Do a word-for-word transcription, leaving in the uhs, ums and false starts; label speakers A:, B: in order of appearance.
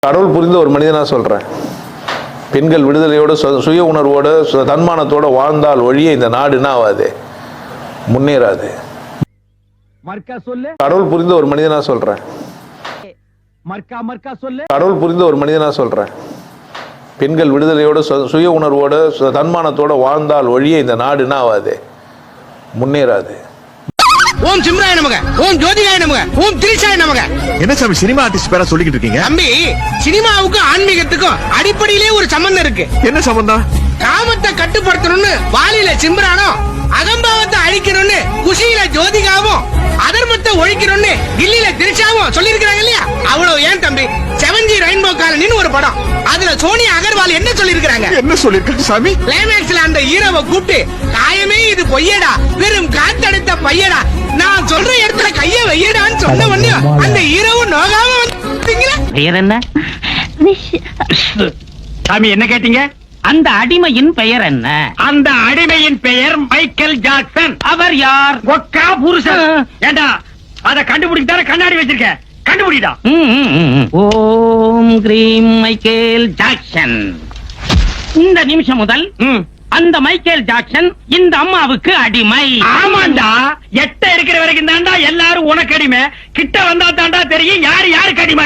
A: கடவுள் புரிந்த ஒரு மனிதனா சொல்றேன். பெண்கள் விடுதலையோட சுய உணர்வோட தன்மானத்தோட வாழ்ந்தால் ஒழிய இந்த நாடு என்ன ஆகாது, முன்னேறாது. கடவுள் புரிந்த ஒரு மனிதனா சொல்றேன். கடவுள் புரிந்த ஒரு மனிதனா சொல்றேன். பெண்கள் விடுதலையோட சுய உணர்வோட தன்மானத்தோட வாழ்ந்தால் ஒழிய இந்த நாடு என்ன ஆகாது, முன்னேறாது.
B: ஓம் சிம்ராய நமக, ஓம் ஜோதிகாய நமக, ஓம் திரிஷாய நமக.
C: என்ன சாமி சினிமா ஆர்டிஸ்ட் பேரா சொல்லிக்கிட்டு இருக்கீங்க?
B: தம்பி, சினிமாவுக்கும் ஆன்மீகத்துக்கும் அடிப்படையிலே ஒரு சம்பந்தம் இருக்கு.
C: என்ன சம்பந்தம்?
B: காமத்தை கட்டுப்படுத்தணும்னு வாலியில சிம்ரானும், அகம்பாவத்தை அழிக்கணும்னு குஷியில ஜோதிகாவும், அதர்மத்தை ஒழிக்கணும்னு கில்லியில திரிஷாவும் சொல்லி இருக்காங்க இல்லையா? அவ்வளவு ஏன் தம்பி, செவன்ஜி ரெயின்போ காலனின்னு ஒரு படம், அதுல சோனியா அகர்வால் என்ன சொல்லி இருக்காங்க?
C: என்ன சொல்லிருக்காங்க சாமி?
B: கிளைமேக்ஸ்ல அந்த ஹீரோவை கூப்பிட்டு, காயமே இது பொய்யடா, வெறும் காத்தடித்த பையடா, நான் சொல்ற இடத்துல கைய வையடான்னு சொன்ன உடனே அந்த ஹீரோவும் நோகாம வந்தீங்களா?
D: பெயர் என்ன சாமி? என்ன கேட்டீங்க? அந்த அடிமையின் பெயர் என்ன? அந்த அடிமையின் பெயர் மைக்கேல் ஜாக்சன். அவர் யார்? ஒக்கா புருஷன். ஏண்டா அத கண்டுபிடிச்சார கண்ணாடி வச்சிருக்க, கண்டுபிடிடா. ஓம் கிரீம் மைக்கேல் ஜாக்சன். இந்த நிமிஷம் முதல் அந்த மைக்கேல் ஜாக்சன் இந்த அம்மாவுக்கு அடிமை. ஆமாண்டா, எட்ட இருக்கிற வரைக்கும் தாண்டா எல்லாரும் உனக்கு அடிமை, கிட்ட வந்தா தாண்டா தெரியும் யாரு யாருக்கு அடிமை.